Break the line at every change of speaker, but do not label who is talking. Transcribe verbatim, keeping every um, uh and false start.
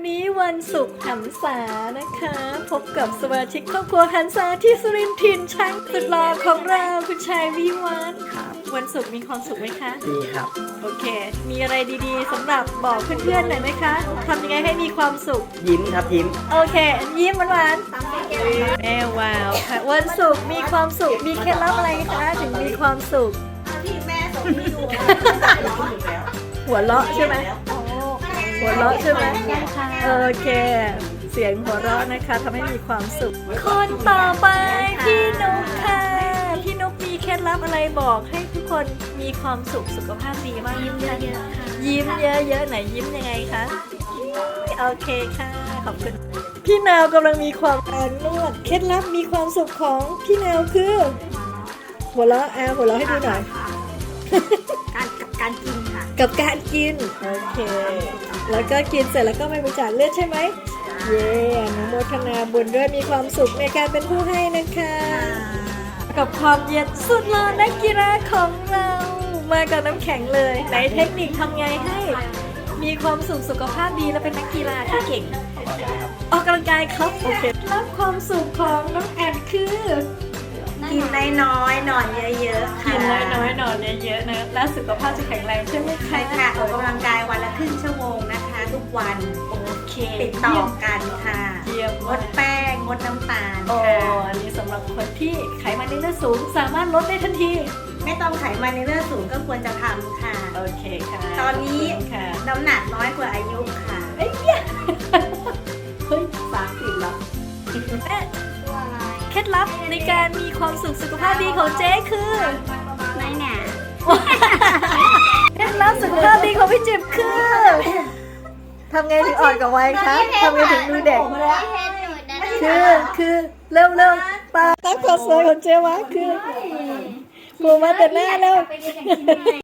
นี้วันศุกร์หันษานะคะ พบกับสมาชิกครอบครัวหันษาที่สุรินทร์ถิ่นช้างสุดหล่อของเราคุณชายวิวัฒน์ครับวันศุกร์มีความสุขไหมคะ
ดีครับ
โอเคมีอะไรดีๆสำหรับบอกเพื่อนๆหน่อยไหมคะทำยังไงให้มีความสุข
ยิ้มครับยิ้ม
โอเคยิ้มหวานๆแม่ว้าวค่ะวันศุกร์มีความสุขมีเคล็ดลับอะไรคะถึงมีความสุข
ที่แม่ส่งให้ดู
หัวเราะใช่ไหมหัวเราะใช่ไหมโอเคเสียงหัวเราะนะคะทำให้มีความสุขคนต่อไปพี่นุ๊กค่ะพี่นุ๊กมีเคล็ดลับอะไรบอกให้ทุกคนมีความสุขสุขภาพดีมากยิ้มเยอะๆค่ะยิ้มเยอะๆไหนยิ้มยังไงคะโอเคค่ะขอบคุณพี่นาวกำลังมีความอ่อนนวดเคล็ดลับมีความสุขของพี่นาวคือหัวเราะแอลหัวเราะให้ดูหน่อย
การกับการกินค่ะ
กับการกินโอเคแล้วก็กินเสร็จแล้วก็ไม่บริจาคเลือดใช่ไหมเย้อนุโมทนาบุญด้วยมีความสุขในการเป็นผู้ให้นะคะกับความเย็นสุดหล่อนักกีฬาของเรามากับน้ำแข็งเลยไหนเทคนิคทำไงให้มีความสุขสุขภาพดีและเป็นนักกีฬาที่เก่งออกกำลังกายครับโอเครับความสุขของน้องแอนคือ
กินน้อยๆนอนเยอะๆ
กินน้อยๆนอนเยอะๆนะแล้วสุขภาพจะแข็งแรงใช่ไหมคะ
ใช่ค่ะออกกำลังกายวันละครึ่งชั่วโมงนะคะทุกวัน
โอเค
ติดต่อกันค่ะ
เยี่ยม
งดแป้งงดน้ำตาล
โอ้
ค่ะ
อันนี้สำหรับคนที่ไขมันในเลือดสูงสามารถลดได้ทันที
ไม่ต้องไขมันในเลือดสูงก็ควรจะทำค่ะ
โอเคค่ะ
ตอนนี้น้ำหนักน้อยกว่าอายุค่ะ
เอ้ยเฮ้ยสามสิบแล้วเคล็ดลับในการมีความสุขสุขภาพดีของเจ๊คือ
ไม่หนา
เคล็ดลับสุขภาพดีของพี่จิบคือทำไงถึงอ่อนกับวัยคะทำไงถึงดูเด็กคือคือเร็วเร็วตาตั้งความสวยของเจ๊วะคือโผล่มาแต่หน้าแล้ว